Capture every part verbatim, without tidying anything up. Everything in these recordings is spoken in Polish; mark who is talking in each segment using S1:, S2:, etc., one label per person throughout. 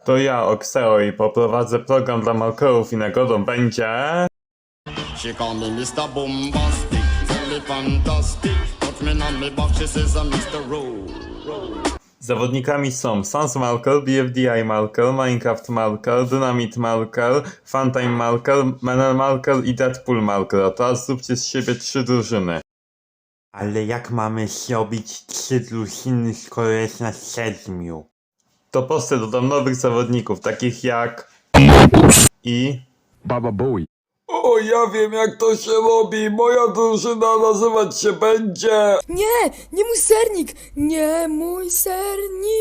S1: To ja, Oxeo, i poprowadzę program dla Malkerów i nagrodą będzie...
S2: She call me mister Bombastic, tell me fantastic. Touch me on me back, she says I'm mister Rowe.
S1: Zawodnikami są Sans Malker, B F D I Malker, Minecraft Malker, Dynamite Malker, Funtime Malker, Menel Malker i Deadpool Malker. A teraz zróbcie z siebie trzy drużyny.
S3: Ale jak mamy zrobić trzy drużyny, skoro jest nas siedmiu?
S1: To proste, dodam nowych zawodników, takich jak... I...
S4: Baba Bowie.
S5: O, ja wiem jak to się robi. Moja drużyna nazywać się będzie...
S6: Nie, nie mój sernik! Nie mój sernik!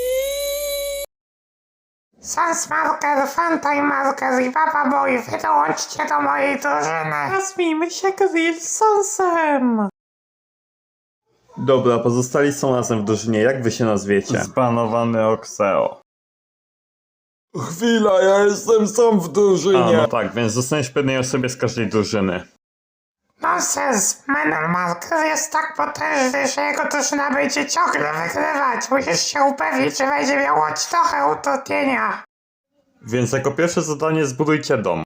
S7: Sans Marker, Funtime Marker i Baba Boy, wy dołączcie do mojej drużyny. Nazwijmy się Grill z Sansem.
S1: Dobra, pozostali są razem w drużynie, jak wy się nazwiecie? Zbanowany Oxeo.
S5: Chwila, ja jestem sam w
S1: A,
S5: drużynie.
S1: no tak, więc zostaniesz po jednej osobie z każdej drużyny.
S7: Nonsens, Menel Marker jest tak potężny, że jego drużyna będzie ciągle wygrywać. Musisz się upewnić, że będzie miał choć trochę utrudnienia.
S1: Więc jako pierwsze zadanie zbudujcie dom.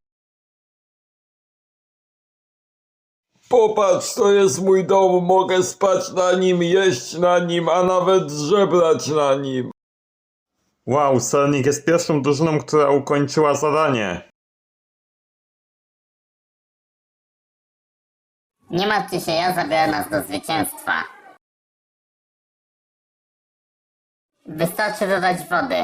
S5: Popatrz, to jest mój dom. Mogę spać na nim, jeść na nim, a nawet żebrać na nim.
S1: Wow, Sernik jest pierwszą drużyną, która ukończyła zadanie.
S8: Nie martwcie się, ja zabiorę nas do zwycięstwa. Wystarczy dodać wody.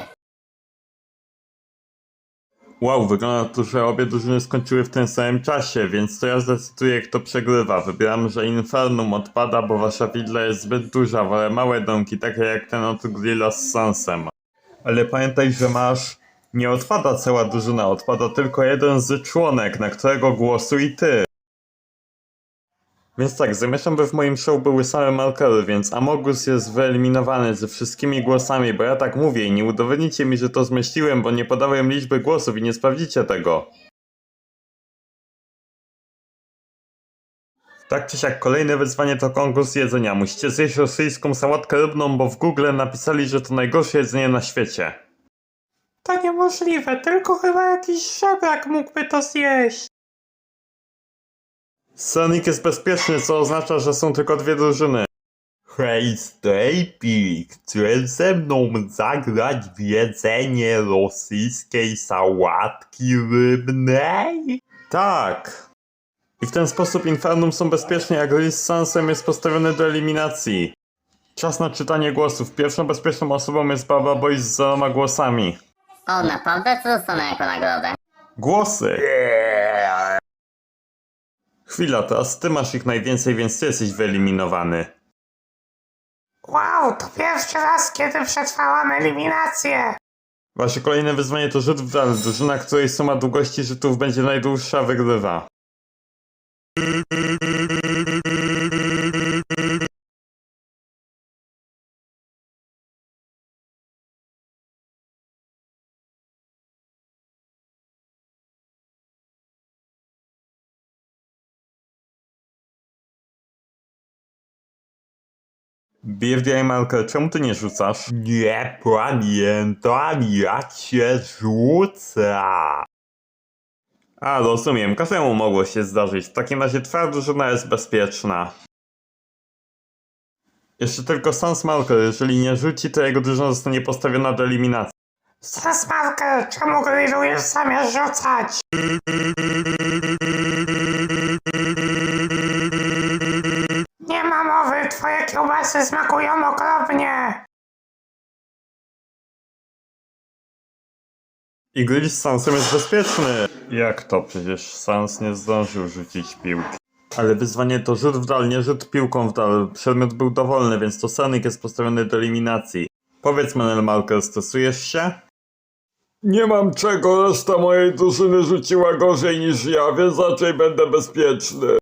S1: Wow, wygląda to, że obie drużyny skończyły w tym samym czasie, więc to ja zdecyduję, kto przegrywa. Wybieram, że Infernum odpada, bo wasza willa jest zbyt duża, wolę małe domki, takie jak ten od Grilla z Sansem. Ale pamiętaj, że masz... Nie odpada cała drużyna, odpada tylko jeden z członek, na którego głosuj ty. Więc tak, zamierzam, by w moim show były same Malkery, więc Amogus jest wyeliminowany ze wszystkimi głosami, bo ja tak mówię i nie udowodnicie mi, że to zmyśliłem, bo nie podałem liczby głosów i nie sprawdzicie tego. Tak czy siak, kolejne wyzwanie to konkurs jedzenia. Musicie zjeść rosyjską sałatkę rybną, bo w Google napisali, że to najgorsze jedzenie na świecie.
S7: To niemożliwe, tylko chyba jakiś żebrak mógłby to zjeść.
S1: Sonic jest bezpieczny, co oznacza, że są tylko dwie drużyny. Hej, Strejpi, chcesz ze mną zagrać w jedzenie rosyjskiej sałatki rybnej? Tak. I w ten sposób Infernum są bezpieczni, a Grill z Sansem jest postawiony do eliminacji. Czas na czytanie głosów. Pierwszą bezpieczną osobą jest Baba Boy z zeroma głosami.
S8: O, naprawdę? Co dostanę jako nagrodę?
S1: Głosy! Chwila, teraz ty masz ich najwięcej, więc ty jesteś wyeliminowany.
S7: Wow, to pierwszy raz, kiedy przetrwałam eliminację.
S1: Wasze kolejne wyzwanie to rzut w dal. Drużyna, której suma długości rzutów będzie najdłuższa, wygrywa. B F D I Malker, czemu ty nie rzucasz? Nie pamiętam, jak się rzuca. A, rozumiem, każdemu mogło się zdarzyć. W takim razie twoja drużyna jest bezpieczna. Jeszcze tylko Sans Malker, jeżeli nie rzuci, to jego drużyna zostanie postawiona do eliminacji.
S7: Sans Marker, czemu grillujesz zamiast rzucać? Nie ma mowy, twoje kiełbasy smakują okropnie.
S1: I Grill z Sansem jest bezpieczny. Jak to? Przecież Sans nie zdążył rzucić piłki. Ale wyzwanie to rzut w dal, nie rzut piłką w dal. Przedmiot był dowolny, więc to Sonic jest postawiony do eliminacji. Powiedz, Menel Malker, stosujesz się?
S5: Nie mam czego, reszta mojej drużyny rzuciła gorzej niż ja, więc raczej będę bezpieczny.